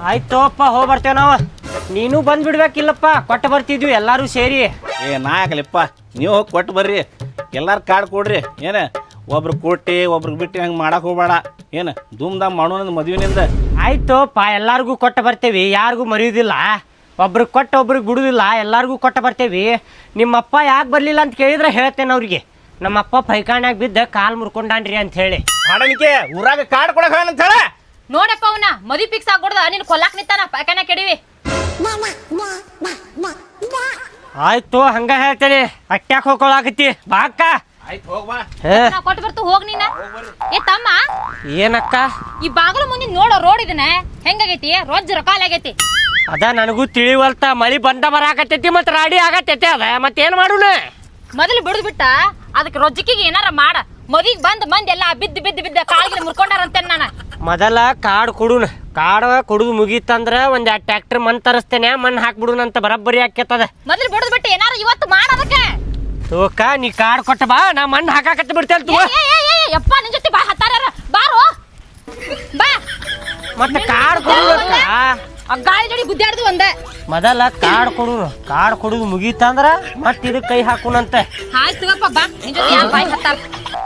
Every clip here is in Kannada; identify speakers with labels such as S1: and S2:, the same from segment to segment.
S1: ಆಯ್ತೋಪ್ಪ ಹೋಗಿ ಬರ್ತೇವೆ ನಾವು. ನೀನು ಬಂದ್ಬಿಡ್ಬೇಕಿಲ್ಲಪ್ಪ, ಕೊಟ್ಟು ಬರ್ತಿದ್ವಿ ಎಲ್ಲರೂ ಸೇರಿ.
S2: ನಾ ಯಾಕಲಿಪ್ಪ, ನೀವು ಹೋಗಿ ಕೊಟ್ಟು ಬರ್ರಿ. ಎಲ್ಲಾರು ಕಾರ್ಡ್ ಕೊಡ್ರಿ. ಏನು ಒಬ್ರು ಕೊಟ್ಟು ಒಬ್ರಿಗೆ ಬಿಟ್ಟು ಹಂಗೆ ಮಾಡಕ್ಕೆ ಹೋಗ್ಬೇಡ. ಏನು ಧೂಮ್ ಧಾಮ್ ಮಾಡೋಣ ಮದುವೆನಿಂದ.
S1: ಆಯ್ತೋಪ್ಪ, ಎಲ್ಲರಿಗೂ ಕೊಟ್ಟು ಬರ್ತೇವಿ, ಯಾರಿಗೂ ಮರೆಯೋದಿಲ್ಲ. ಒಬ್ರಿಗೆ ಕೊಟ್ಟು ಒಬ್ರಿಗೆ ಬಿಡುದಿಲ್ಲ, ಎಲ್ಲರಿಗೂ ಕೊಟ್ಟು ಬರ್ತೇವಿ. ನಿಮ್ಮಪ್ಪ ಯಾಕೆ ಬರಲಿಲ್ಲ ಅಂತ ಕೇಳಿದ್ರೆ ಹೇಳ್ತೇನೆ ಅವ್ರಿಗೆ, ನಮ್ಮಪ್ಪ ಪೈಖಾನ್ಯಾಗ ಬಿದ್ದ ಕಾಲು ಮುರ್ಕೊಂಡಾನ್ರಿ ಅಂತ ಹೇಳಿ.
S2: ಮಾಡಣಿಕೆ ಊರಾಗ ಕಾರ್ಡ್ ಕೊಡಕ ಅಂತ ಹೇಳ.
S3: ನೋಡಪ್ಪ ಅವನ ಮದಿ ಫಿಕ್ಸ್ ಆಗ್ಬಿಡ್ದ, ನೀನು ಕೊಲ್ಲಾಕ್ ನಿಂತಾನ ಪೈಖಾನ ಕೆಡಿವಿ.
S1: ಆಯ್ತು ಹಂಗ ಹೇಳ್ತೇನೆ. ಅಟ್ಯಾಕ ಹೋಗ್ಕೊಳಕತ್ತಿ ಬಾ ಅಕ್ಕ.
S2: ಆಯ್ತು ಹೋಗ್ಬಾ.
S3: ಕೊಟ್ಟು ಬರ್ತು ಹೋಗ್ ನೀನ. ಏ ತಮ್ಮ,
S1: ಏನಕ್ಕ?
S3: ಈ ಬಾಗಿಲು ಮುಂದಿನ ನೋಡೋ ರೋಡ್ ಇದನ್ನ ಹೆಂಗಾಗೈತಿ? ರೊಜ್ಜ ರಕಾಲ ಆಗೈತಿ.
S1: ಅದ ನನಗೂ ತಿಳಿವಲ್ತ. ಮಳಿ ಬಂದ ಬರಾಕತ್ತೈತಿ ಮತ್ ರಾಡಿ ಆಗತ್ತೈತಿ. ಅದ ಮತ್ತೇನ್ ಮಾಡುಣ?
S3: ಮೊದಲು ಬಿಡುದ್ ಬಿಟ್ಟ ಅದಕ್ಕೆ ರೊಜ್ಜಿಕಿಗೆ ಏನಾರ ಮಾಡ. ಮದಿಗ್ ಬಂದ್ ಮಂದಿ ಎಲ್ಲ ಬಿದ್ದ ಕಾಲ್ಗಿನ ಮುರ್ಕೊಂಡಾರಂತೆ. ನಾನು
S1: ಮೊದಲ ಕಾಡ್ ಕೊಡುನ. ಕಾಡ್ ಕೊಡುದು ಮುಗೀತಂದ್ರ ಒಂದ್ 2 ಟ್ರ್ಯಾಕ್ಟರ್ ಮಣ್ ತರಸ್ತೇನೆ, ಮಣ್ ಹಾಕ್ಬಿಡುನಂತ ಬರಬ್ಬರಿ ಆಕೇತದ.
S3: ಮೊದಲು ಬಿಡುದ್ ಬಿಟ್ಟು ಏನಾರ ಇವತ್ತು ಮಾಡ ಅದಕ್ಕೆ.
S1: ತೋಕ ನೀ ಕಾಡ್ ಕೊಟ್ಟ ಬಾ, ನಾ ಮಣ್ ಹಾಕಾಕತ್ತ ಬಿಡ್ತೇನೆ.
S3: ಯಪ್ಪ ನಿನ್ ಜೊತೆ ಬಾ ಹತ್ತಾರ ಬಾರೋ ಬಾ.
S1: ಮತ್ತೆ ಕಾಡ್ ಕೊಡುದಕ್ಕ
S3: ಗಾಳಿ ಜೋಡಿ ಗುದ್ದಾಡ್ದು ಒಂದೇ.
S1: ಮೊದಲ ಕಾಡ್ ಕೊಡುನು. ಕಾಡ್ ಕೊಡುದು ಮುಗೀತಂದ್ರ ಮತ್ ಇದಕ್ ಕೈ ಹಾಕುನಂತೆ.
S3: ಆಯ್ತು ತಗೋಪ್ಪ ಬಾ, ನಿನ್ ಜೊತೆ ಯಾರು ಬಾಯಿ ಹತ್ತಾರ.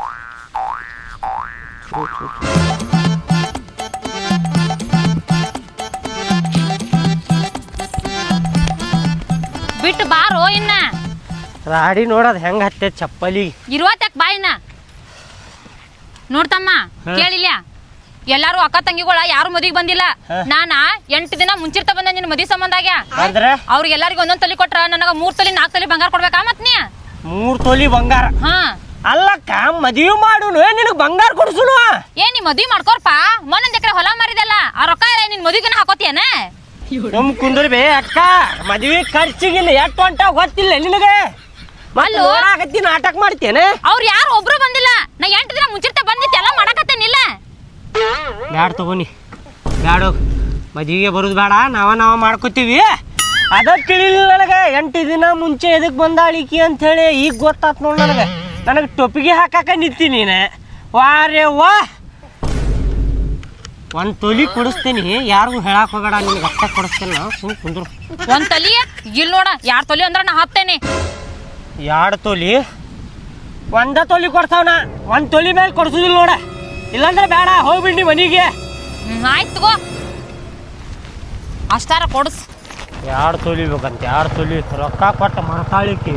S3: ಬಿಟ್ಟು ಬಾರೋ ಇನ್ನ.
S1: ರಾಡಿ ನೋಡದ್ ಹೆಂಗ ಹತ್ತೆ ಚಪ್ಪಲಿ
S3: ಇರುವತ್ತಾಕ ಬಾಯಿನ ನೋಡ್ತಮ್ಮ. ಕೇಳಿಲ್ಲ, ಎಲ್ಲಾರು ಅಕ್ಕ ತಂಗಿಗಳ ಯಾರು ಮದಿಗೆ ಬಂದಿಲ್ಲ. ನಾನ 8 ದಿನ ಮುಂಚಿರ್ತ ಬಂದ ನಿನ್ ಮದಿ ಸಂಬಂಧಾಗ್ಯ. ಅವ್ರಿಗೆ ಎಲ್ಲರಿಗೂ ಒಂದೊಂದ್ ತಲಿ ಕೊಟ್ರ ನನಗ 3 ತೊಲಿ 4 ತೊಲಿ ಬಂಗಾರ ಕೊಡ್ಬೇಕಾ? ಮತ್ ನೀ
S1: 3 ತೊಲಿ ಬಂಗಾರ?
S3: ಹಾ
S1: ಅಲ್ಲಕ್ಕ, ಮದುವೆ ಮಾಡುನು ನಿನಗ್ ಬಂಗಾರ ಕೊಡ್ಸುನು.
S3: ನೀ ಮದ್ವಿ ಮಾಡ್ಕೋರ್ಪ. ಮೊನ್ನೊಂದ್ ಎಕರೆ ಹೊಲ ಮಾರಿದಲ್ಲ, ಆ ರೊಕ್ಕ ನಿನ್ ಮದಿಗನ ಹಾಕೋತಿಯನ?
S1: ನಮ್ ಕುಂದ್ರಿ ಬೇ ಅಕ್ಕ, ಮದ್ವಿ ಖರ್ಚಿಗಿಲ್ಲ ಎಷ್ಟು ಹೊಂಟ ಗೊತ್ತಿಲ್ಲ ನಿನಗೆ. ಆಗತ್ತಿ ನಾಟಕ ಮಾಡ್ತೇನೆ.
S3: ಅವ್ರು ಯಾರು ಒಬ್ರು ಬಂದಿಲ್ಲ. ನಾ 8 ದಿನ ಮುಂಚಿರ್ತ ಬಂದಿತ್ತು ಎಲ್ಲ ಮಾಡಕತ್ತೇನಿಲ್ಲ.
S1: ಬ್ಯಾಡ ತಗೋನಿ, ಬ್ಯಾಡ. ಮದ್ವಿಗೆ ಬರುದು ಬೇಡ, ನಾವ ಮಾಡ್ಕೋತೀವಿ. ಅದ ತಿಳಿಲಿಲ್ಲ ನನಗೆ. 8 ದಿನ ಮುಂಚೆ ಎದಕ್ ಬಂದಾಳಿಕಿ ಅಂತ ಹೇಳಿ ಈಗ ಗೊತ್ತಾತ್ ನೋಡ್ ನನಗೆ. ನನಗೆ ಟೊಪಿಗೆ ಹಾಕಾಕ ನಿಂತಿ ನೀನು. ವಾರೇ ವಾ, 1 ತೊಲಿ ಕೊಡಿಸ್ತೀನಿ, ಯಾರಿಗೂ ಹೇಳಕ್ ಹೋಗಬೇಡ. ನಿನಗೆ ಅಷ್ಟ ಕೊಡಿಸ್ತೇನೆ. ನಾವು ಸುಮ್ ಕುಂದ್ರು.
S3: 1 ತೊಲಿ ಇಲ್ಲಿ ನೋಡ. 2 ತೊಲಿ ಅಂದ್ರ ನಾ ಹತ್ತೇನೆ.
S1: 2 ತೊಲಿ? 1 ತೊಲಿ ಕೊಡ್ತಾವನ, 1 ತೊಲಿ ಮೇಲೆ ಕೊಡ್ಸುದಿಲ್ಲ ನೋಡ. ಇಲ್ಲಾಂದ್ರೆ ಬೇಡ, ಹೋಗ್ಬಿಡಿ ಮನಿಗೆ.
S3: ಆಯ್ತು ತಗೋ, ಅಷ್ಟಾರ ಕೊಡ್ಸ್.
S1: 2 ತೊಲಿ ಬೇಕಂತ. 2 ತೊಲಿ ರೊಕ್ಕ ಕೊಟ್ಟ ಮಾಡ್ತಾಳಿಕಿ.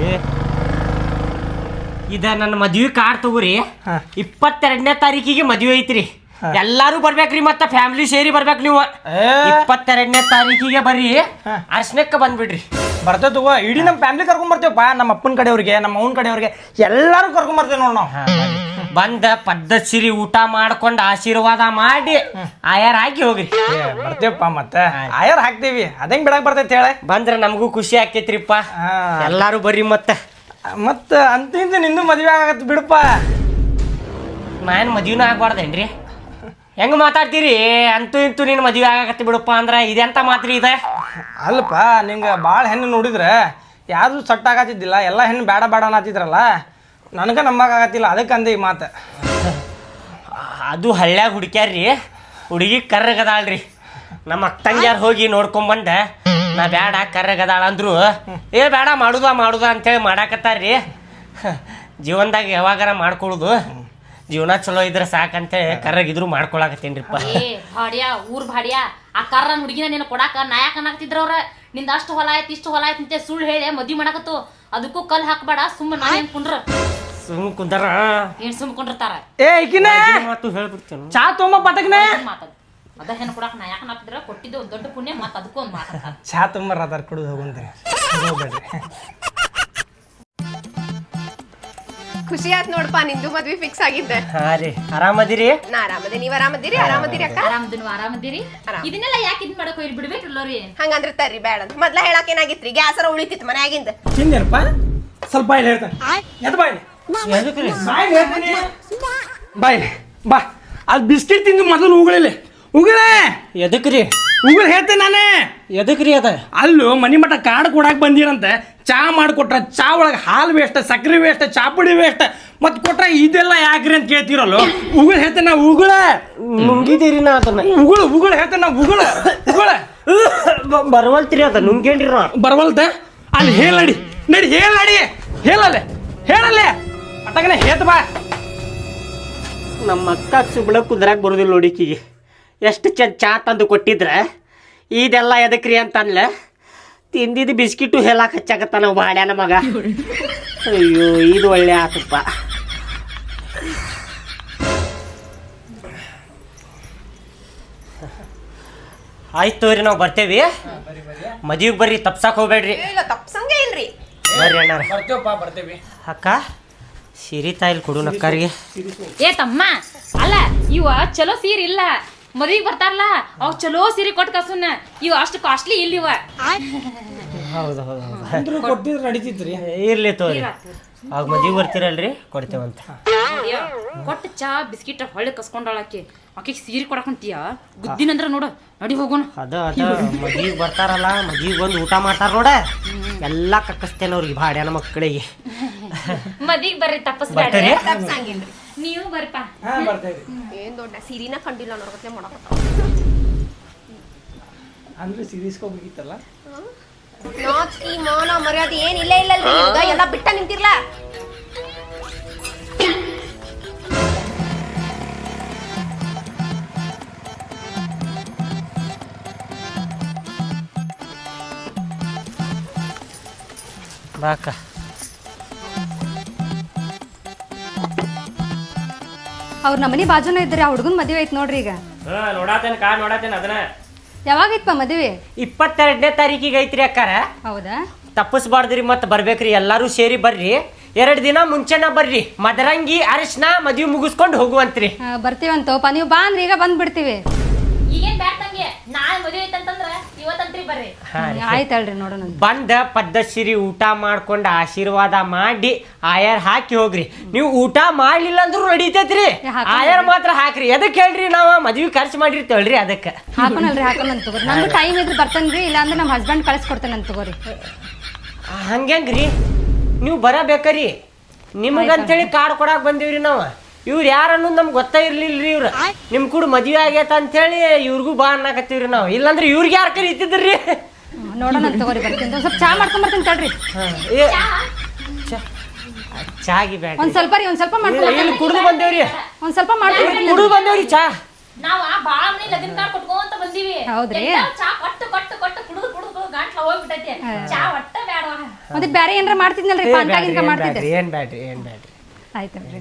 S1: ಇದ ನನ್ನ ಮದ್ವಿ ಕಾರ್ಡ್ ತಗೋರಿ. 22ನೇ ತಾರೀಕಿಗೆ ಮದ್ವೆ ಐತ್ರಿ. ಎಲ್ಲಾರು ಬರ್ಬೇಕ್ರಿ, ಮತ್ತ ಫ್ಯಾಮಿಲಿ ಸೇರಿ ಬರ್ಬೇಕು ನೀವು. 22ನೇ ತಾರೀಕಿಗೆ ಬರ್ರಿ, ಅರ್ಶನಕ್ಕೆ ಬಂದ್ಬಿಡ್ರಿ.
S4: ಬರ್ತೇವೆ ತಗೋ. ಇಡೀ ನಮ್ಮ ಫ್ಯಾಮಿಲಿ ಕರ್ಕೊಂಡ್ ಬರ್ತೇವಪ್ಪ. ನಮ್ಮ ಅಪ್ಪನ ಕಡೆಯವ್ರಿಗೆ, ನಮ್ಮ ಅವ್ನ ಕಡೆಯವ್ರಿಗೆ ಎಲ್ಲಾರು ಕರ್ಕೊಂಡ್ ಬರ್ತೇವೆ ನೋಡ್ ನಾವು.
S1: ಬಂದ ಪದ್ಧತಿ ಸಿರಿ ಊಟ ಮಾಡ್ಕೊಂಡು ಆಶೀರ್ವಾದ ಮಾಡಿ ಆಯಾರ ಹಾಕಿ ಹೋಗ್ರಿ.
S4: ಬರ್ತೇವಪ್ಪ. ಮತ್ತೆ ಆಯಾರ ಹಾಕ್ತೇವಿ, ಅದಂಗ್ ಬಿಡಕ್ ಬರ್ತೈತಿ ಹೇಳ.
S1: ಬಂದ್ರ ನಮಗೂ ಖುಷಿ ಆಕೇತ್ರಿಪ್ಪ. ಎಲ್ಲಾರು ಬರ್ರಿ.
S4: ಮತ್ತ ಅಂತ ನಿಂದು ಮದ್ವೆ ಆಗತ್ ಬಿಡಪ್ಪ.
S1: ನಾನು ಮದ್ವಿನ ಆಗ್ಬಾರ್ದೇನ್ರಿ? ಹೆಂಗ ಮಾತಾಡ್ತೀರಿ? ಅಂತೂ ಇಂತೂ ನೀನು ಮದ್ವೆ ಆಗತ್ತೆ ಬಿಡಪ್ಪ ಅಂದ್ರ ಇದೆಂತ ಮಾತ್ರಿ ಇದೆ?
S4: ಅಲ್ಪ, ನಿಂಗೆ ಭಾಳ ಹೆಣ್ಣು ನೋಡಿದ್ರೆ ಯಾವುದು ಸಟ್ ಆಗತ್ತಿದ್ದಿಲ್ಲ. ಎಲ್ಲ ಹೆಣ್ಣು ಬೇಡ ಬೇಡ ಅನ್ನತ್ತಿದ್ರಲ್ಲ, ನನಗೆ ನಂಬಕ್ಕಾಗತ್ತಿಲ್ಲ. ಅದಕ್ಕೆ ಅಂದೆ ಈ ಮಾತು.
S1: ಅದು ಹಳ್ಳ್ಯಾಗ ಹುಡುಕ್ಯಾರ್ರಿ, ಹುಡುಗಿ ಕರ್ರಗದಾಳ್ರಿ. ನಮ್ಮ ಅಕ್ಕಂಗ್ಯಾರು ಹೋಗಿ ನೋಡ್ಕೊಂಬಂದ, ನಾ ಬೇಡ ಕರ್ರಗದಾಳ ಅಂದ್ರು. ಬೇಡ ಮಾಡುದ ಅಂತೇಳಿ ಮಾಡಾಕತ್ತಾರ್ರಿ. ಜೀವನದಾಗ ಯಾವಾಗಾರ ಮಾಡ್ಕೊಳ್ಳೋದು, ಜೀವನ ಚಲೋ ಇದ್ರೆ ಸಾಕಂತೇಳಿ ಕರ್ರಗಿದ್ರು ಮಾಡ್ಕೊಳಕತ್ತೇನ್ರಿಪ್ಪ.
S3: ಭಾಡ್ಯಾ, ಊರ್ ಭಾಡ್ಯಾ, ಆ ಕರ್ರನ್ ಹುಡುಗಿನ ನೀನು ಕೊಡಾಕ ನಾಯಕ ಅನ್ನಕತ್ತಿದ್ರ ಅವ್ರ. ನಿಂದ ಅಷ್ಟು ಹೊಲ ಆಯ್ತು ಇಷ್ಟು ಹೊಲ ಆಯ್ತು ಅಂತ ಸುಳ್ಳು ಹೇಳಿ ಮದ್ವಿ ಮಾಡಕತ್ತು. ಅದಕ್ಕೂ ಕಲ್ ಹಾಕ್ಬೇಡ. ಸುಮ್ಮ ನಾವೇನ್ ಕುಂಡ್ರ
S1: ಸುಮ್ ಕುಂದರ
S3: ಏನ್ ಸುಮ್ ಕುಂಡಿರ್ತಾರ.
S1: ಮಾತು ಹೇಳ್ಬಿಡ್ತೇನೆ.
S4: ಚಾ ತೊಂಬ ಪಟಕ್ನೆ
S3: ಮಾತದ್ ಅದ ಹೆಣ್ಣು ಕೊಡಾಕ ನಾಯಕ ಅನ್ನಕತ್ತಿದ್ರ ಕೊಟ್ಟಿದ್ದು ಒಂದ್ ದೊಡ್ಡ ಪುಣ್ಯ. ಮತ್ತ ಅದಕ್ಕೂ ಒಂದ್ ಮಾತಾಡ್ತಾರ.
S4: ಚಾ ತೊಂಬರ ಅದಾರ ಕುಡಿದು ಹೋಗುಂತೀನಿ. ಹೋಗ್ಬೇಡ್ರಿ.
S5: ಖುಷಿ ಆಯ್ತು ನೋಡಪ್ಪ, ನಿಂದು ಮದ್ವಿ ಫಿಕ್ಸ್ ಆಗಿದ್ದೆ.
S1: ಹಾ ರೀ, ಆರಾಮದಿರಿ?
S5: ನಾ ಆರಾಮದೆ, ನೀವ್ ಆರಾಮದಿರಿ? ಆರಾಮದಿರಿ ಅಕ್ಕ?
S3: ಆರಾಮದಿರಿ. ಇದನ್ನೆಲ್ಲ ಯಾಕೆ ಇದ್ ಮಾಡಕ್ ಹೋಗಿ ಬಿಡ್ಬೇಕಲ್ಲೋರಿ?
S5: ಹಂಗಂದ್ರೆ ತರ್ರಿ ಬೇಡ ಅಂತ ಮೊದ್ಲ ಹೇಳಕ್ ಏನಾಗಿತ್ರಿ? ಗ್ಯಾಸರ ಉಳಿತಿತ್ತು ಮನ್ಯಾಗಿಂದ.
S4: ತಿಂದೇನಪ್ಪ? ಸ್ವಲ್ಪ ಬಾಯಿಲ್ ಹೇಳ್ತಾನೆ. ಎದ್ ಬಾಯಿಲಿ ಬಾಯಿಲಿ ಬಾ. ಅದು ಬಿಸ್ಕಿಟ್ ತಿಂದು ಮೊದಲು ಉಗುಳಿಲ್ಲ. ಉಗುಳೆ
S1: ಎದಕ್ರಿ?
S4: ಉಗುಳು ಹೇಳ್ತೇನೆ ನಾನೇ.
S1: ಎದಕ್ರಿ ಅದ?
S4: ಅಲ್ಲೂ ಮನಿ ಮಠ ಕಾರ್ಡ್ ಕೊಡಾಕ್ ಬಂದಿರಂತ. ಚಾ ಮಾಡಿಕೊಟ್ರ ಚಾ ಒಳಗೆ ಹಾಲು ವೇಸ್ಟ್, ಸಕ್ಕರೆ ವೇಸ್ಟ್, ಚಾಪುಡಿ ವೇಸ್ಟ್. ಮತ್ತೆ ಕೊಟ್ರ ಇದೆಲ್ಲ ಯಾಕ್ರಿ ಅಂತ ಕೇಳ್ತಿರಲ್ಲ. ಉಗುಳು ಹೇಳ್ತೇನೆ ನಾ. ಉಗುಳ
S1: ನುಂಗಿದ್ದೀರಿ ನಾ ಅದನ್ನ.
S4: ಉಗುಳು ಹೇಳ್ತೇನೆ ನಾ. ಉಗುಳ
S1: ಬರವಲ್ತಿರಿ ಅದ ನುಂಗೇನ್ರಿ ನಾ
S4: ಬರವಲ್ತ ಅಲ್ಲಿ ಹೇಳಡಿ ನಡಿ ಹೇಳಡಿ ಹೇಳಲ್ಲೇ ಹೇಳಲ್ಲೇ ಅತ್ತಾಗನೆ ಹೇತ್ ಬಾ
S1: ನಮ್ಮ ಅಕ್ಕ ಸುಬ್ಳ ಕುದ್ರಾಗ ಬರೋದಿಲ್ಲ ನೋಡಿಕಿಗೆ ಎಷ್ಟು ಚಾ ತಂದು ಕೊಟ್ಟಿದ್ರೆ ಇದೆಲ್ಲ ಎದಕ್ರಿ ಅಂತ ಅನ್ಲ ತಿಂದಿದ್ದು ಬಿಸ್ಕಿಟು ಹೇಳಕ್ಕೆ ಹಚ್ಚಾಕತ್ತಾನ ಬಾಡ್ಯಾನ ಮಗ ಅಯ್ಯೋ ಇದು ಒಳ್ಳೆ ಆತಪ್ಪ ಆಯ್ತು ತೋರಿ ನಾವು ಬರ್ತೇವಿ ಮದುವೆಗೆ ಬರ್ರಿ ತಪ್ಸಕ್ಕೆ ಹೋಗ್ಬೇಡ್ರಿ
S5: ಇಲ್ಲ ತಪ್ಸಂಗೆ ಇಲ್ರಿ
S1: ಬರ್ರಿ ಅಣ್ಣಾರ
S4: ಬರ್ತೇವಪ್ಪ ಬರ್ತೇವಿ
S1: ಅಕ್ಕ ಸಿರಿ ತಾಯಿಲ್ ಕೊಡು ನಕ್ಕರಿಗೆ
S3: ಏ ತಮ್ಮ ಅಲ್ಲ ಇವ ಚಲೋ ಸೀರೆ ಇಲ್ಲ ಮದ್ವಿಗೆ ಬರ್ತಾರಲ್ಲ ಅವ್ ಚಲೋ ಸೀರೆ ಕೊಟ್ಟು ಕಸುನ ಇವ ಅಷ್ಟು ಕಾಸ್ಟ್ಲಿ ಇಲ್ಲ ಇವ
S1: ಹೌದು ಹೌದು ಹೌದು
S4: ಅಂದ್ರೂ ಕೊಟ್ಟಿದ್ರೆ ನಡೀತಿದ್ರಿ
S1: ಇರ್ಲಿ ತೋರಿ ಆಗ ಮದುವೆ ಬರ್ತೀರಲ್ರಿ ಕೊಡ್ತೇವಂತ
S3: ಕೊಟ್ಟು ಚಾ ಬಿಸ್ಕಿಟ್ ಹೊಳ್ಳಿ ಕಸ್ಕೊಂಡಾಳಕ್ಕೆ ಆಕೆಗೆ ಸೀರೆ ಕೊಡಕಂತೀಯ ಗುದ್ದಿನಂದ್ರ ನೋಡು ನಡಿ ಹೋಗೋಣ
S1: ಅದ ಮದುವೆಗೆ ಬರ್ತಾರಲ್ಲ ಮದುವೆಗೆ ಬಂದು ಊಟ ಮಾಡ್ತಾರ ನೋಡ ಎಲ್ಲ ಕಕ್ಕಸ್ತೇನೆ ಅವ್ರಿಗೆ ಭಾಡ್ಯಾನ ಮಕ್ಕಳಿಗೆ
S3: ಮದ್ವಿಗೆ ಬರ್ರಿ ತಪ್ಪಸ್ಬೇಡ್ರಿ
S1: ಬರ್ತೀರಿ
S5: ತಪ್ಸಂಗಿಲ್ರಿ
S3: ನೀವು ಬರ್ರಿಪ್ಪ
S4: ಬರ್ತೇವ್ರಿ
S5: ಏನ್ ದೊಡ್ಡ ಸೀರಿನ ಕಂಡಿಲ್ಲ ನೋಡ್ಕೊತ್ಲೆ ಮಾಡಕ
S4: ಅಂದ್ರೆ ಸೀರೀಸ್ಕೋಬೇಕಿತ್ತಲ್ಲ
S5: ನಾಚಿಕೆ ಮಾನ ಮರ್ಯಾದೆ ಏನ್ ಇಲ್ಲ ಇಲ್ಲಲ್ರಿ ನಿಮ್ಗ ಎಲ್ಲ ಬಿಟ್ಟ ನಿಂತಿರ್ಲ
S1: ಬಾಕ
S6: ಅವ್ರ ನಮ್ಮನಿ ಬಾಜುನ ಇದ್ರಿ ಆ ಹುಡುಗನ್ ಮದುವೆ ಐತ್ ನೋಡ್ರಿ ಈಗ
S1: ನೋಡಾತೇನೆ ಅದನ್ನ
S6: ಯಾವಾಗಿತ್ಪ ಮದುವೆ
S1: 22ನೇ ತಾರೀಕಿಗೆ ಐತ್ರಿ ಅಕ್ಕಾರ
S6: ಹೌದಾ
S1: ತಪ್ಪಿಸ್ಬಾರ್ದ್ರಿ ಮತ್ತೆ ಬರ್ಬೇಕ್ರಿ ಎಲ್ಲರೂ ಸೇರಿ ಬರ್ರಿ 2 ದಿನ ಮುಂಚೆನ ಬರ್ರಿ ಮದರಂಗಿ ಅರಿಶಿನ ಮದುವೆ ಮುಗಿಸ್ಕೊಂಡು ಹೋಗುವಂತ್ರಿ
S6: ಬರ್ತೀವಂತೋಪ ನೀವು ಬಾ ಅಂದ್ರೆ ಈಗ ಬಂದ್ಬಿಡ್ತೀವಿ
S3: ಈಗೇನ್ ಬ್ಯಾಡ ತಂಗೆ ನಾಳೆ ಮದುವೆ ಐತಂತಂದ್ರ ಇವತ್ತಂತ್ರಿ ಬರ್ರಿ
S6: ಆಯ್ತು ಹೇಳ್ರಿ ನೋಡೋಣ
S1: ಬಂದ ಪದ್ಧತಿರಿ ಊಟ ಮಾಡ್ಕೊಂಡು ಆಶೀರ್ವಾದ ಮಾಡಿ ಆಯಾರ್ ಹಾಕಿ ಹೋಗ್ರಿ ನೀವು ಊಟ ಮಾಡ್ಲಿಲ್ಲ ಅಂದ್ರೂ ನಡೀತೈತ್ರಿ ಆಯಾರ್ ಮಾತ್ರ ಹಾಕ್ರಿ ಎದಕ್ಕೆ ಹೇಳ್ರಿ ನಾವ ಮದ್ವಿ ಖರ್ಚು ಮಾಡಿರ್ತೇವಲ್ರಿ ಅದಕ್ಕೆ
S6: ಹಾಕೋಣಲ್ರಿ ಹಾಕೋಣಂತ ತಗೋರಿ ನಮ್ದು ಟೈಮ್ ಇದ್ರೆ ಬರ್ತೇನ್ರಿ ಇಲ್ಲಾಂದ್ರೆ ನಮ್ಮ ಹಸ್ಬೆಂಡ್ ಕಳಿಸ್ಕೊಡ್ತೇನೆ ಅಂತ ತಗೋರಿ
S1: ಹಂಗ್ರಿ ನೀವು ಬರಬೇಕರಿ ನಿಮಗಂತೇಳಿ ಕಾರ್ಡ್ ಕೊಡಾಕ್ ಬಂದೀವ್ರಿ ನಾವು ಇವ್ರು ಯಾರು ಅನ್ನೋದು ನಮ್ಗೆ ಗೊತ್ತಾ ಇರ್ಲಿಲ್ರಿ ಇವ್ರು ನಿಮ್ ಕೂಡ ಮದ್ವೆ ಆಗೈತ ಅಂತೇಳಿ ಇವ್ರಿಗೂ ಬಾ ಅನ್ನಕತ್ತೀವ್ರಿ ನಾವು ಇಲ್ಲಾಂದ್ರೆ ಇವ್ರಿಗೆ ಯಾರು ಕರೀತಿದ್ರಿ
S6: ನೋಡೋಣ ಅಂತ ತಗೋರಿ ಬರ್ತೀನಿ ಸ್ವಲ್ಪ ಚಾ ಮಾಡ್ಕೊಂಡ್ ಬರ್ತೀನಿ ತಡ್ರಿ
S1: ಚಾಗಿ ಬೇಡ
S6: ಒಂದ್ ಸ್ವಲ್ಪ ರೀ ಒಂದ್ ಸ್ವಲ್ಪ ಮಾಡ್ಕೊಂಡ್
S1: ಇಲ್ಲಿ ಕುಡ್ದು ಬಂದೇವ್ರಿ
S6: ಒಂದ್ ಸ್ವಲ್ಪ ಮಾಡ್ಕೊಂಡ್
S1: ಕುಡ್ದು ಬಂದೇವ್ರಿ ಚಾ
S3: ನಾವ್ ಬಾಳ ಮನಿ ಲಗ್ನ ಕಾರ್ಡ್ ಕೊಟ್ಕೊಂತ ಬಂದೀವಿ
S6: ಹೌದ್ರಿ?
S3: ಎಲ್ಲಾರು ಚಾ ಕೊಟ್ಟು ಕೊಟ್ಟು ಕೊಟ್ಟು ಕುಡಿದು ಕುಡಿದು ಗಂಟ್ಲ ಹೋಗ್ಬಿಟ್ಟೈತಿ ಚಾ ಒಟ್ಟ ಬೇಡವಾ
S6: ಮತ್ತೆ ಬ್ಯಾರೆ ಏನಾರ ಮಾಡ್ತಿದ್ನಲ್ರಿ ಪಾನ್ಕಾಗಿನ್ಕ ಮಾಡ್ತಿದ್ದೆ
S1: ಏನ್ ಬ್ಯಾಡ್ರಿ
S6: ಆಯ್ತಲ್ರಿ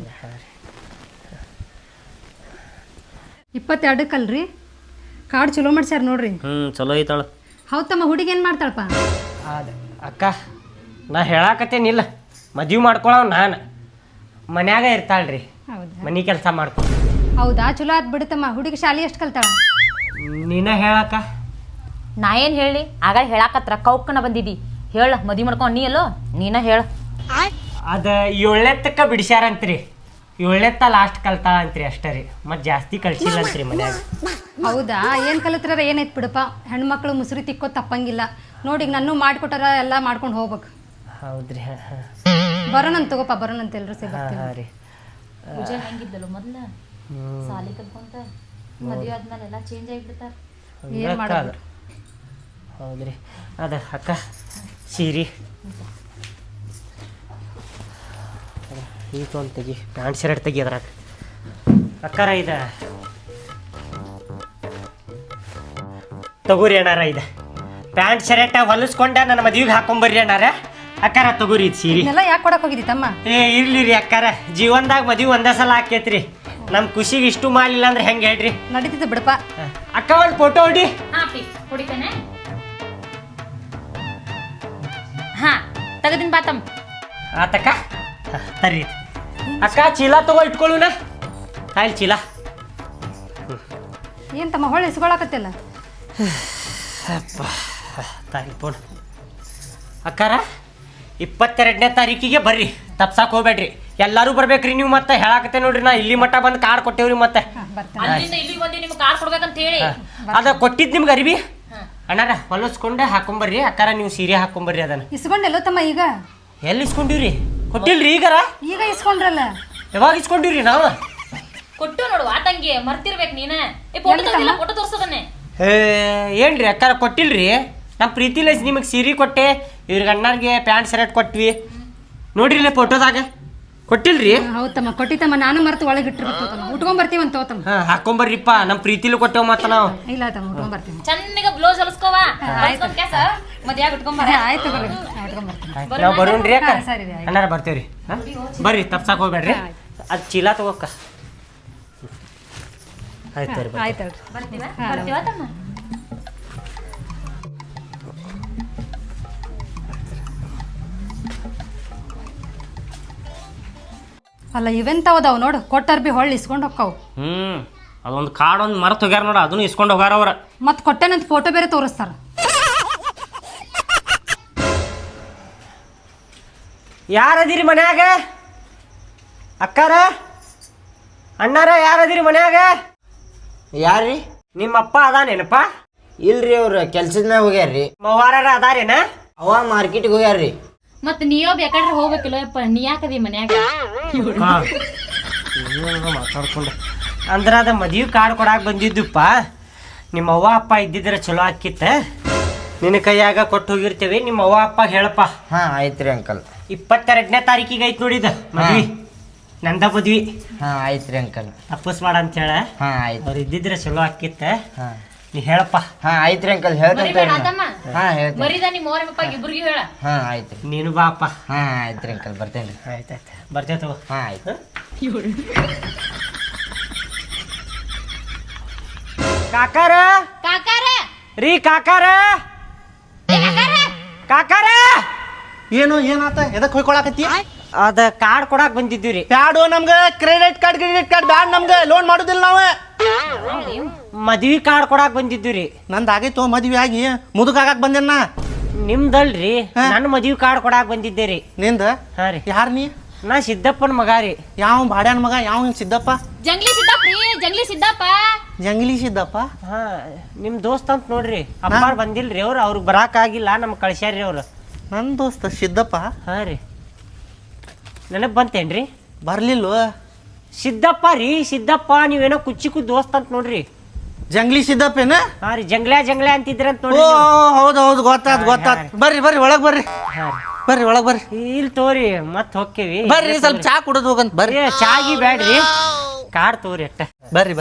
S6: 22ಕಲ್ರಿ ಕಾರ್ಡ್ ಚಲೋ ಮಾಡ್ಸ್ಯಾರ ನೋಡ್ರಿ
S1: ಚಲೋ ಐತಾಳ
S6: ಹೌದ್ ತಮ್ಮ ಹುಡುಗಿ ಏನ್ ಮಾಡ್ತಾಳಪ್ಪ
S1: ಅದ ಅಕ್ಕ ನಾ ಹೇಳಾಕತ್ತೇನಿಲ್ಲ ಮದ್ವೆ ಮಾಡ್ಕೊಳವ್ ನಾನು ಮನ್ಯಾಗ ಇರ್ತಾಳ್ರಿ
S6: ಹೌದಾ
S1: ಮನಿ ಕೆಲಸ ಮಾಡ್ಕೊ
S6: ಹೌದಾ ಚಲೋ ಆತ್ ಬಿಡುತ್ತಮ್ಮ ಹುಡುಗಿ ಶಾಲಿ ಎಷ್ಟು ಕಲ್ತಾಳ
S1: ನೀನ ಹೇಳಕ್ಕ
S3: ನಾ ಏನ್ ಹೇಳಿ ಆಗ ಹೇಳಾಕತ್ರ ಕೌಕನ ಬಂದಿದ್ದಿ ಹೇಳ ಮದ್ವಿ ಮಾಡ್ಕೊಂಡ್ ನೀ ಅಲ್ಲೋ ನೀನ ಹೇಳ
S1: ಅದ 7ನೇತ್ತಕ್ಕ ಬಿಡಿಸ್ಯಾರಂತ್ರಿ 7ನೇತ್ತ ಲಾಸ್ಟ್ ಕಲ್ತಾಳ ಅಂತ್ರಿ ಅಷ್ಟೇ ರೀ ಮತ್ತೆ ಜಾಸ್ತಿ ಕಳ್ಸಿಲ್ಲ ಅಂತ್ರಿ ಮನ್ಯಾಗ
S6: ಹೌದಾ ಏನ್ ಕಲಿತ್ರ ಏನೈತ್ ಬಿಡಪ್ಪ ಹೆಣ್ಮಕ್ಳು ಮುಸುರಿ ತಿಕ್ಕೋ ತಪ್ಪಂಗಿಲ್ಲ ನೋಡಿ ಈಗ ನನ್ನೂ ಮಾಡ್ಕೊಟ್ಟಾರ ಎಲ್ಲ ಮಾಡ್ಕೊಂಡು ಹೋಗ್ಬೇಕು
S1: ಹೌದ್ರಿ
S6: ಬರೋಣಂತ ತಗೋಪ ಬರೋಣಂತ ಎಲ್ರು ಸೇರಿ
S1: ಹಾಂ ರೀ
S3: ಪೂಜೆ ಹೆಂಗಿದ್ದಲು ಮೊದ್ಲ ಸಾಲಿ ಕಲ್ಕೊಂತ ಮದ್ವೆ ಆದ್ಮೇಲೆ ಎಲ್ಲ ಚೇಂಜ್ ಆಗಿಬಿಡ್ತಾರ
S6: ಏನ್ ಮಾಡೋದು
S1: ಹೌದ್ರಿ ಅದ ಅಕ್ಕ ಸೀರಿ ಈಗ ಒಂದು ತೆಗಿ ಪ್ಯಾಂಟ್ ಶರ್ಟ್ ತೆಗಿ ಅದ್ರಾಗ ಅಕ್ಕಾರ ಇದ ತಗೋರಿ ಅಣ್ಣಾರ ಇದೆ ಪ್ಯಾಂಟ್ ಶರ್ಟ್ ಹೊಲಿಸ್ಕೊಂಡ ನನ್ನ ಮದ್ವಿಗೆ ಹಾಕೊಂಬರ್ರಿ ಅಣ್ಣಾರ ಅಕ್ಕಾರ ತಗೋರಿ ಇದು ಸೀರೆ
S6: ಇದೆಲ್ಲ ಯಾಕೆ ಕೊಡಕ್ ಹೋಗಿದ್ದಿ ತಮ್ಮ
S1: ಏ ಇರ್ಲಿ ರೀ ಅಕ್ಕಾರ ಜೀವನದಾಗ ಮದ್ವಿ ಒಂದೇ ಸಲ ಹಾಕೈತ್ರಿ ನಮ್ಮ ಖುಷಿಗೆ ಇಷ್ಟು ಮಾಡಲಿಲ್ಲ ಅಂದ್ರೆ ಹೆಂಗೆ ಹೇಳ್ರಿ
S6: ನಡೀತಿತ್ತು ಬಿಡಪ್ಪ
S1: ಅಕ್ಕ ಒಂದು ಫೋಟೋ ಹೊಡಿ
S3: ಹಾ ಪ್ಲೀಸ್ ಹೊಡಿತೇನೆ ಹಾ ತೆಗದಿನ್ ಬಾತಮ್
S1: ಆತಕ್ಕ ತರ್ರಿ ಅಕ್ಕ ಚೀಲ ತಗೋ ಇಟ್ಕೊಳ್ಳುನ ಆಯ್ತು ಚೀಲ
S6: ಏನ್ ತಮ್ಮ ಹೊಳ್ಳಿ ಇಸ್ಕೊಳಕತ್ತಿಲ್ಲ
S1: ಅಪ್ಪ ತಾರೀಕು ಫೋನ್ ಅಕ್ಕಾರ 22ನೇ ತಾರೀಕಿಗೆ ಬರ್ರಿ ತಪ್ಸಕ್ಕೆ ಹೋಗ್ಬೇಡ್ರಿ ಎಲ್ಲರೂ ಬರ್ಬೇಕ್ರಿ ನೀವು ಮತ್ತೆ ಹೇಳಾಕತ್ತೆ ನೋಡ್ರಿ ನಾ ಇಲ್ಲಿ ಮಟ್ಟ ಬಂದು ಕಾರ್ಡ್ ಕೊಟ್ಟೇವ್ರಿ ಮತ್ತೆ
S3: ಅಲ್ಲಿಂದ ಇಲ್ಲಿಗೆ ಬಂದು ನಿಮ್ಗೆ ಕಾರ್ ಕೊಡ್ಬೇಕಂತ ಹೇಳಿ
S1: ಅದ ಕೊಟ್ಟಿದ್ದು ನಿಮ್ಗೆ ಅರಿವಿ ಅಣ್ಣಾರ ಹೊಲಸ್ಕೊಂಡೆ ಹಾಕೊಂಬರ್ರಿ ಅಕ್ಕಾರ ನೀವು ಸೀರೆ ಹಾಕೊಂಬರ್ರಿ ಅದನ್ನ
S6: ಇಸ್ಕೊಂಡೆಲ್ಲೋ ತಮ್ಮ ಈಗ
S1: ಎಲ್ಲಿ ಇಸ್ಕೊಂಡಿವ್ರಿ ಕೊಟ್ಟಿಲ್ರಿ ಈಗಾರ
S6: ಈಗ ಇಸ್ಕೊಂಡ್ರಲ್ಲ
S1: ಯಾವಾಗ ಇಸ್ಕೊಂಡಿವ್ರಿ ನಾವು
S3: ಕೊಟ್ಟು ನೋಡು ಆ ತಂಗಿ ಮರ್ತಿರ್ಬೇಕು ನೀನ ಫೋಟೋ ತೋರಿಸಿಲ್ಲ ಫೋಟೋ ತೋರ್ಸದನ್ನೇ
S1: ಏನ್ರಿ ಅಕ್ಕಾರ ಕೊಟ್ಟಿಲ್ರಿ ನಮ್ಮ ಪ್ರೀತಿಲೇ ನಿಮಗೆ ಸೀರೆ ಕೊಟ್ಟೆ ಇವ್ರಿಗೆ ಅಣ್ಣಾರಿಗೆ ಪ್ಯಾಂಟ್ ಶರ್ಟ್ ಕೊಟ್ವಿ ನೋಡ್ರಿಲ್ಲ ಫೋಟೋದಾಗ ಕೊಟ್ಟಿಲ್ರಿ.
S6: ಹೌದಮ್ಮ ಕೊಟ್ಟಿತ್ತಮ್ಮ, ನಾನು ಮರೆತು ಒಳಗೆ ಇಟ್ಟಿರ್ತೀವಮ್ಮ. ಉಟ್ಕೊಂಡ್ ಬರ್ತೀವಂತ ತೋತಮ್ಮ.
S1: ಹಾಕೊಂಬರ್ರಿಪ್ಪ ನಮ್ಮ ಪ್ರೀತಿಲು ಕೊಟ್ಟೇವ್ ಮತ್ತ ನಾವು.
S6: ಇಲ್ಲ ತಮ್ಮ ಉಟ್ಕೊಂಡ್ ಬರ್ತೀವಿ.
S3: ಚನ್ನಗ ಬ್ಲೌಸ್ ಹೊಲಸ್ಕೋವ ಮದ್ಯಾಗ ಉಟ್ಕೊಂಡ್
S6: ಆಯ್ತು ಬರ್ರಿ ಉಟ್ಕೊಂಡ್ ಬರ್ತೀನಿ.
S1: ನಾವು ಬರೋಣ್ರಿ ಅಕ್ಕ.
S6: ಸರಿ ರೀ, ಆಯ್ತು.
S1: ಅಣ್ಣಾರ ಬರ್ತೇವ್ರಿ. ಬರ್ರಿ ತಪ್ಸಾಕ್ ಹೋಗ್ಬೇಡ್ರಿ. ಅದು ಚೀಲ ತಗೋಕ್ಕ. ಆಯ್ತು ರೀ
S6: ಆಯ್ತು
S3: ಬರ್ತೀವ ತಮ್ಮ.
S6: ಅಲ್ಲ ಇವೆಂತವದಾವ್ ನೋಡು, ಕೊಟ್ಟರ್ ಬಿ ಹೊಳ್ಳಿ ಇಸ್ಕೊಂಡು ಹೋಗ್ತಾವು.
S1: ಅದೊಂದು ಕಾರ್ಡ್ ಒಂದು ಮರೆತು ಹೋಗ್ಯಾರ ನೋಡ, ಅದನ್ನು ಇಸ್ಕೊಂಡು ಹೋಗ್ಯಾರ ಅವ್ರ.
S6: ಮತ್ತೆ ಕೊಟ್ಟೆನಂತ ಫೋಟೋ ಬೇರೆ ತೋರಿಸ್ತಾರ.
S1: ಯಾರದಿರಿ ಮನ್ಯಾಗ? ಅಕ್ಕಾರ ಅಣ್ಣಾರ ಯಾರದಿರಿ ಮನ್ಯಾಗ?
S7: ಯಾರ್ರಿ?
S1: ನಿಮ್ಮಪ್ಪ ಅದಾನೇನಪ್ಪ?
S7: ಇಲ್ರಿ ಅವ್ರ ಕೆಲ್ಸದ ಮ್ಯಾಗ ಹೋಗ್ಯಾರ್ರಿ.
S1: ಮವಾರ ಅದಾರೇನ?
S7: ಅವ ಮಾರ್ಕೆಟ್ಗೆ ಹೋಗ್ಯಾರ್ರಿ.
S3: ಮತ್ ನೀಯೋ ಬೇಕಾದ್ರೆ ಹೋಗ್ಬೇಕಿಲ್ಲ ಯಪ್ಪ, ನೀ ಯಾಕದಿ ಮನ್ಯಾಗ?
S1: ಮಾತಾಡ್ಕೊಂಡು ಅಂದ್ರ ಅದ ಮದ್ವಿ ಕಾರ್ಡ್ ಕೊಡಾಕ್ ಬಂದಿದ್ದಪ್ಪ. ನಿಮ್ಮ ಅವ್ವ ಅಪ್ಪ ಇದ್ದಿದ್ರೆ ಚಲೋ ಆಕಿತ್ತ. ನಿನ್ನ ಕೈಯಾಗ ಕೊಟ್ಟು ಹೋಗಿರ್ತೇವೆ, ನಿಮ್ಮ ಅವ್ವ ಅಪ್ಪ ಹೇಳಪ್ಪ.
S7: ಹಾ ಆಯ್ತ್ರಿ ಅಂಕಲ್.
S1: 22ನೇ ತಾರೀಕಿಗೆ ಐತ್ ನೋಡಿದ ಮದ್ವಿ, ನಂದ ಮದ್ವಿ.
S7: ಹಾ ಆಯ್ತ್ರಿ ಅಂಕಲ್.
S1: ತಪ್ಪಸ್ ಮಾಡ ಅಂತ ಹೇಳ.
S7: ಹಾ ಆಯ್ತು.
S1: ಅವ್ರು ಇದ್ದಿದ್ರೆ ಚಲೋ ಆಕಿತ್ತ.
S7: ಹಾ
S1: ನೀ ಹೇಳಪ್ಪ.
S7: ಹಾ ಆಯ್ತ್ರಿ ಅಂಕಲ್, ಹೇಳ್ತಂತ.
S3: ಮರಿಬೇಡ ತಮ್ಮ.
S7: ಹಾ ಹೇಳ್ತೀನಿ.
S3: ಮರಿದ ನಿಮ್ಮ ಅವ್ರ ಇಬ್ರಿಗೂ ಹೇಳ.
S7: ಹಾ ಆಯ್ತ್ರಿ.
S1: ನೀನು ಬಾಪ್ಪ.
S7: ಹಾ ಆಯ್ತ್ರಿ ಅಂಕಲ್, ಬರ್ತೇನ್ರಿ.
S1: ಆಯ್ತಾಯ್ತು ಬರ್ತೇವ.
S7: ಹಾ ಆಯ್ತು.
S1: ಕಾಕಾರ
S3: ಕಾಕಾರ
S1: ರೀ ಕಾಕಾರ ಕಾಕಾರ
S2: ಏನು ಏನಾತ ಎದಕ್ಕೆ ಹೊಯ್ಕೊಳಕತ್ತಿ?
S1: ಅದ ಕಾರ್ಡ್ ಕೊಡಾಕ್ ಬಂದಿದ್ದೀವಿ ರೀ.
S2: ಬ್ಯಾಡು ನಮ್ಗೆ ಕ್ರೆಡಿಟ್ ಕಾರ್ಡ್ ಬ್ಯಾಡ್, ನಮ್ಗೆ ಲೋನ್ ಮಾಡೋದಿಲ್ಲ ನಾವು.
S1: ಮದ್ವಿ ಕಾರ್ಡ್ ಕೊಡಾಕ್ ಬಂದಿದ್ದೀವಿ ರೀ.
S2: ನಂದು ಆಗೈತೋ ಮದ್ವೆ ಆಗಿ ಮುದುಕಾಗಕ್ ಬಂದೇನ.
S1: ನಿಮ್ದಲ್ರಿ, ನನ್ನ ಮದ್ವಿ ಕಾರ್ಡ್ ಕೊಡಾಕ್ ಬಂದಿದ್ದೆ ರೀ.
S2: ನಿಂದ?
S1: ಹಾ ರೀ.
S2: ಯಾರು ನೀ?
S1: ನಾ ಸಿದ್ದಪ್ಪನ ಮಗ ರೀ.
S2: ಯಾವ ಬಾಡ್ಯಾನ ಮಗ? ಯಾವ ಸಿದ್ದಪ್ಪ?
S3: ಜಂಗ್ಲಿ ಸಿದ್ದಪ್ಪ ರೀ, ಜಂಗ್ಲಿ ಸಿದ್ದಪ್ಪ.
S2: ಜಂಗ್ಲಿ ಸಿದ್ದಪ್ಪ?
S1: ಹಾ ನಿಮ್ ದೋಸ್ತ ಅಂತ ನೋಡ್ರಿ. ಅಪ್ಪ ಬಂದಿಲ್ರಿ ಅವ್ರು, ಅವ್ರಿಗೆ ಬರಾಕ್ ಆಗಿಲ್ಲ, ನಮ್ಗೆ ಕಳ್ಸ್ಯಾರ್ರಿ ಅವ್ರು.
S2: ನನ್ನ ದೋಸ್ತ ಸಿದ್ದಪ್ಪ?
S1: ಹಾ ರೀ. ನನಗ್ ಬಂತೇನ್ರಿ?
S2: ಬರ್ಲಿಲ್ವ?
S1: ಸಿದ್ದಪ್ಪ ರೀ, ಸಿದ್ದಪ್ಪ. ನೀವೇನೋ ಕುಚ್ಚಿಕು ದೋಸ್ತ ಅಂತ ನೋಡ್ರಿ.
S2: ಜಂಗ್ಲಿ ಸಿದ್ದಪ್ಪೇನ?
S1: ಹಾ ರೀ, ಜಂಗ್ಲ್ಯಾ ಅಂತಿದ್ರಂತ
S2: ಓ
S1: ನೋಡ್ರಿ.
S2: ಹೌದು ಹೌದು, ಗೊತ್ತಾತ್. ಬರ್ರಿ ಒಳಗ್ ಬರ್ರಿ. ಬರ್ರಿ ಒಳಗ್ ಬರ್ರಿ.
S1: ಇಲ್ ತೋರಿ ಮತ್ ಹೋಕ್ಕೇವಿ.
S2: ಬರ್ರಿ ಸ್ವಲ್ಪ ಚಾ ಕುಡಿದು ಹೋಗಂತ ಬರ್ರಿ.
S1: ಚಾಗಿ ಬ್ಯಾಡ್ರಿ, ಕಾಡ್ ತೋರಿ ಅಟ್ಟ.
S2: ಬರ್ರಿ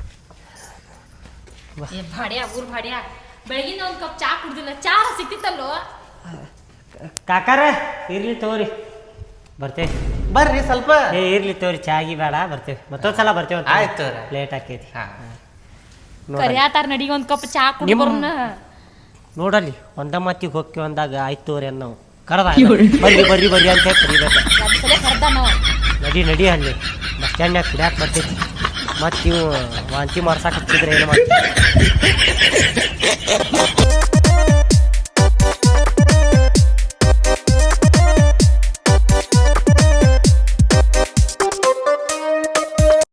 S3: ಭಾಡ್ಯಾ ಊರ್ ಭಾಡ್ಯಾ, ಬೆಳಗಿನ ಒಂದ್ ಕಪ್ ಚಾ ಕುಡ್ದಿಲ್ಲ, ಚಾ ಸಿಕ್ತಿತ್ತಲ್ಲೋ.
S1: ಕಾಕಾರ ಇರ್ಲಿ ತೋರಿ, ಬರ್ತೇವೆ.
S2: ಬರ್ರಿ ಸ್ವಲ್ಪ.
S1: ಇರ್ಲಿ ತೋರಿ, ಚಾಗಿ ಬೇಡ, ಬರ್ತೇವೆ. ಮತ್ತೊಂದ್ಸಲ ಬರ್ತೇವೆ.
S2: ಆಯ್ತು.
S1: ಲೇಟ್ ಆಕೈತಿ.
S3: ಕರಿಯಾತಾರ ನಡಿಗೆ ಒಂದ್ ಕಪ್ ಚಾ ಕುಡ್ಬರ್ನ.
S1: ನೋಡಲ್ಲಿ ಒಂದ ಮತ್ತಿಗೆ ಹೋಗಿ ಒಂದಾಗ ಆಯ್ತು ತೋರಿ ನಾವು ಕರೆದ ಬರ್ರಿ ಅಂತ ಕರಿಬೇಕು.
S3: ಕರ್ದ ನಾವು
S1: ನಡಿ ಅಲ್ಲಿ ಬಸ್ ಸ್ಟ್ಯಾಂಡ್ನಾಗ ಕುಡಿಯಾಕ ಬರ್ತೈತಿ. ಮತ್ತು ಇವು ವಾಂತಿ ಮಾಡ್ಸಾಕ ಹಚ್ಚಿದ್ರೆ ಏನು ಮಾಡ್ತೀವಿ.